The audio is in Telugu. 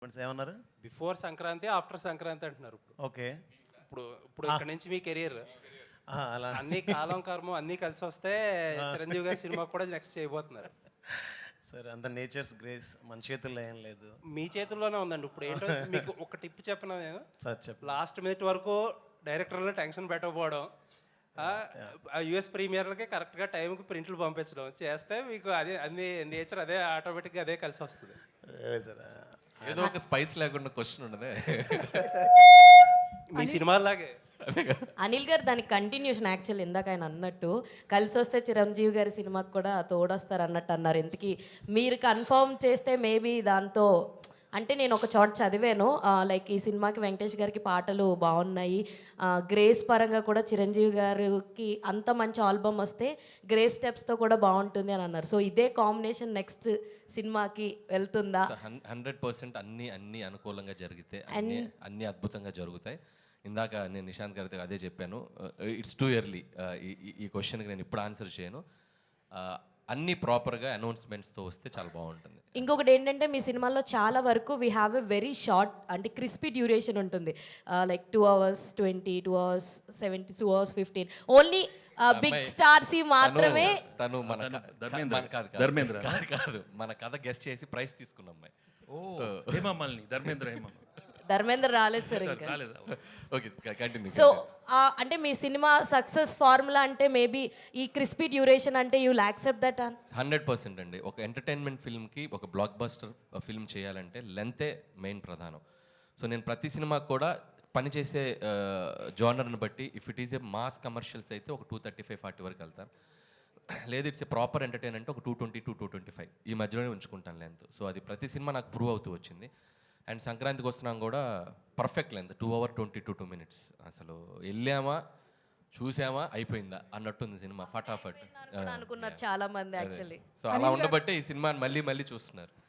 ఏమన్నారు? బిఫోర్ సంక్రాంతి, ఆఫ్టర్ సంక్రాంతి అంటున్నారు. ఓకే. ఇప్పుడు ఇప్పుడు ఇక్కడ నుంచి మీ కెరీర్ అలా అన్ని కాలం కర్మ అన్నీ కలిసి వస్తే చిరంజీవి గారి సినిమా కూడా నెక్స్ట్ చేయబోతున్నారు. సరే, అంత నేచర్స్ గ్రేస్ మన చేతుల్లో ఏం లేదు. మీ చేతుల్లోనే ఉందండి. ఇప్పుడు ఏంటో మీకు ఒక టిప్ చెప్పిన నేను, సార్ చెప్పు. లాస్ట్ మినిట్ వరకు డైరెక్టర్లో టెన్షన్ పెట్టకపోవడం, యుఎస్ ప్రీమియర్లకి కరెక్ట్గా టైంకి ప్రింట్లు పంపించడం చేస్తే మీకు అదే అన్ని నేచర్ అదే ఆటోమేటిక్గా అదే కలిసి వస్తుంది. సార్ ఏదో ఒక స్పైస్ లేకుండా క్వశ్చన్ ఉండదే మీ సినిమాలాగే. అనిల్ గారు దానికి కంటిన్యూషన్ యాక్చువల్ ఇందాక ఆయన అన్నట్టు కలిసి వస్తే చిరంజీవి గారి సినిమాకి కూడా తోడొస్తారు అన్నట్టు అన్నారు. ఇంతకీ మీరు కన్ఫర్మ్ చేస్తే మేబీ దాంతో అంటే నేను ఒక చోట చదివాను, లైక్ ఈ సినిమాకి వెంకటేష్ గారికి పాటలు బాగున్నాయి, గ్రేస్ పరంగా కూడా చిరంజీవి గారికి అంత మంచి ఆల్బమ్ వస్తే గ్రేస్ స్టెప్స్తో కూడా బాగుంటుంది అని అన్నారు. సో ఇదే కాంబినేషన్ నెక్స్ట్ సినిమాకి వెళ్తుందా? 100% అన్ని అనుకూలంగా జరిగితే అన్ని అద్భుతంగా జరుగుతాయి. ఇందాక నేను నిశాంత్ గారితో అదే చెప్పాను, ఇట్స్ టూ ఎర్లీ ఈ క్వశ్చన్కి నేను ఇప్పుడు ఆన్సర్ చేయను. అన్ని ప్రాపర్గా అనౌన్స్మెంట్స్తో వస్తే చాలా బాగుంటుంది. ఇంకొకటి ఏంటంటే మీ సినిమాల్లో చాలా వరకు we have a very short అంటే క్రిస్పీ డ్యూరేషన్ ఉంటుంది, like 2 hours 20, 2 hours 70, 2 hours 15. Only big stars మాత్రమే. తను ధర్మేంద్ర కాదు, మన కథ గెస్ట్ చేసి ప్రైజ్ తీసుకున్న అమ్మాయి. ధర్మేంద్ర రాలేదు సార్ ఇంకా. Okay, continue. సో అంటే మీ సినిమా సక్సెస్ ఫార్ములా అంటే మేబీ ఈ క్రిస్పీ డ్యూరేషన్ అంటే యూ విల్ యాక్సెప్ట్ దట్? 100% అండి. ఒక ఎంటర్టైన్మెంట్ ఫిల్మ్కి ఒక బ్లాక్ బస్టర్ ఫిల్మ్ చేయాలంటే లెంతే మెయిన్ ప్రధానం. సో నేను ప్రతి సినిమాకి కూడా పనిచేసే జానర్ని బట్టి if it is a mass commercials అయితే ఒక 235-40 వరకు వెళ్తాను. లేదు ఇట్స్ ఏ ప్రాపర్ ఎంటర్టైన్ అంటే ఒక 220 to 225 ఈ మధ్యలోనే ఉంచుకుంటాను లెంత్. సో అది ప్రతి సినిమా నాకు ప్రూవ్ అవుతూ వచ్చింది. అండ్ సంక్రాంతికి వస్తున్నాం కూడా పర్ఫెక్ట్ లెంత్ 2 hours 22 minutes. అసలు వెళ్ళామా చూసామా అయిపోయిందా అన్నట్టుంది సినిమా, ఫటాఫట్ అనుకున్నారు చాలా మంది యాక్చువల్లీ. సో అలా ఉండబట్టే ఈ సినిమాని మళ్ళీ చూస్తున్నారు.